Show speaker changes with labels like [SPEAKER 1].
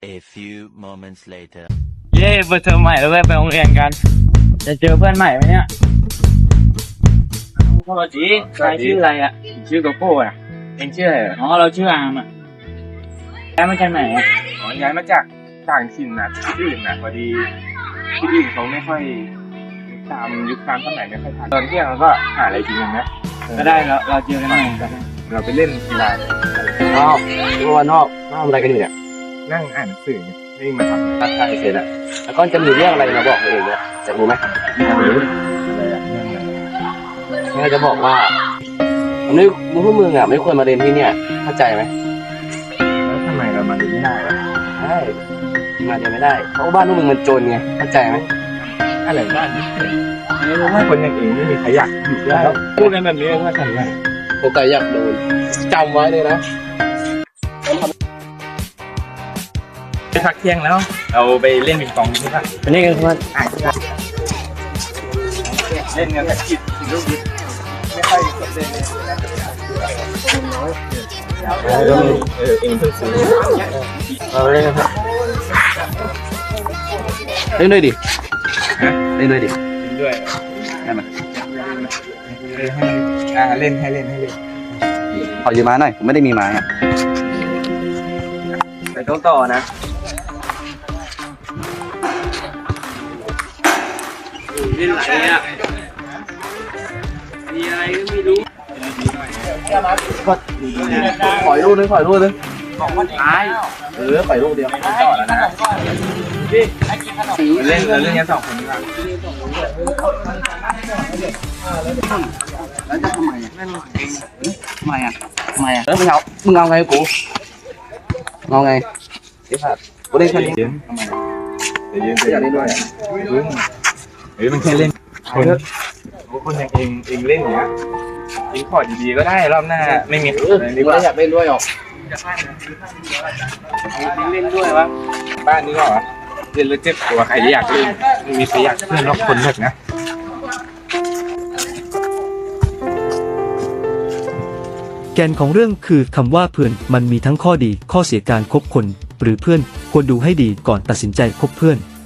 [SPEAKER 1] A few moments later.
[SPEAKER 2] เย้เปิดเทอมใหม่แล้วเว้ยไปโรงเรียนกัน จะเจอเพื่อนใหม่ไหมเนี่ยสวัสดีใครชื่ออะไรอ่ะชื่อโกโก้อ่ะเองชื่ออะไรอ๋อเราชื่ออามอ่ะย้ายมาจากไหนอ่ะอ๋อย้ายมาจากต่างถิ่นนะที่อื่นนะพอดีที่อื่นเขาไม่ค่อยตามยุคตามสมัยไม่ค่อยทันตอนเที่ยงเราก็หาอะไรกินกันนะก็ได้เราเจอกันใหม่กันเราไปเล่นกีฬา
[SPEAKER 3] นอกวันนอกทำอะไรกันอยู่เนี่ย
[SPEAKER 2] นั่งอ่านหนังสือนี่มาทำ
[SPEAKER 3] ทักทายเสร็จแล้วแล้วก็จะมีเรื่องอะไรมาบอกตัวเองเนี่ยจะรู้ไหม
[SPEAKER 2] อะไรอ่ะเรื่องอะไร
[SPEAKER 3] แม่จะบอกว่าวันนี้พวกมึงอ่ะไม่ควรมาเรียนที่เนี่ยเข้าใจไหม
[SPEAKER 2] แล้วทำไมเรามาดูไม่ได้ล่ะ
[SPEAKER 3] ใช่มาเรียนไม่ได้เพราะว่าบ้านพวกมึงมันจนไงเข้าใจไหม
[SPEAKER 2] อะไรบ้านไม่รู้ว่าคนอย่างเองไม่มีใครอยากอยู่ด้วยแล้วพูดกันแบบนี้ว่าทำไง
[SPEAKER 3] โอกาสอยากโดนจำไว้เลยนะ
[SPEAKER 2] ไปพักเที่ยงแล้ว เราไปเล่นปิงปองใช่ปะ
[SPEAKER 3] วันนี้กันครับ
[SPEAKER 2] เล่นกันแต่ผิดลูกดิไม่ค่อยสนเล่นเลยเองเพิ่งซื้อ
[SPEAKER 3] เราเล่นกันครับเล่นด้วยดิเล่นด้วยดิ
[SPEAKER 2] ด้วย
[SPEAKER 3] ได้ไหม
[SPEAKER 2] ให้เล่นให้เล่นให้เล่น
[SPEAKER 3] ขอยืมไม้หน่อยผมไม่ได้มีไม้อ่ะ
[SPEAKER 2] ไปต้องต่อนะเล่นอะไรอ่ะมีอะไรก็ไม่รู้
[SPEAKER 3] ปล่อยลูกนึงปล่อยลูกนึง
[SPEAKER 2] บอกว่าตาย
[SPEAKER 3] ปล่อยลูกเดียว
[SPEAKER 2] ต่อแล้วนะพี่เล่นเราเล่นกันสองคนดีกว่า
[SPEAKER 3] แล้วจะทำไมอ่ะทำไมอ่ะแล้วมึงเอาไงกูเอาไงเดี๋ยวครับกูเล่นแค่นี้
[SPEAKER 2] เดี๋ยวเล่นด้วยมันแค่เล่นคนอย่างเองเล่นอย่างเงี้ยเองขอดีๆก็ได้รอบหน้าไม่มีดีกว่า
[SPEAKER 3] อยากเล่นด้วยหรอก
[SPEAKER 2] เล่นด้วยวะบ้านนี้ก็เล่นแล้วเจ็บตัวใครอยากเล่นไม่มีใครอยากเล่นรอบคนแบบนะ
[SPEAKER 4] แกนของเรื่องคือคำว่าเพื่อนมันมีทั้งข้อดีข้อเสียการคบคนหรือเพื่อนควรดูให้ดีก่อนตัดสินใจคบเพื่อน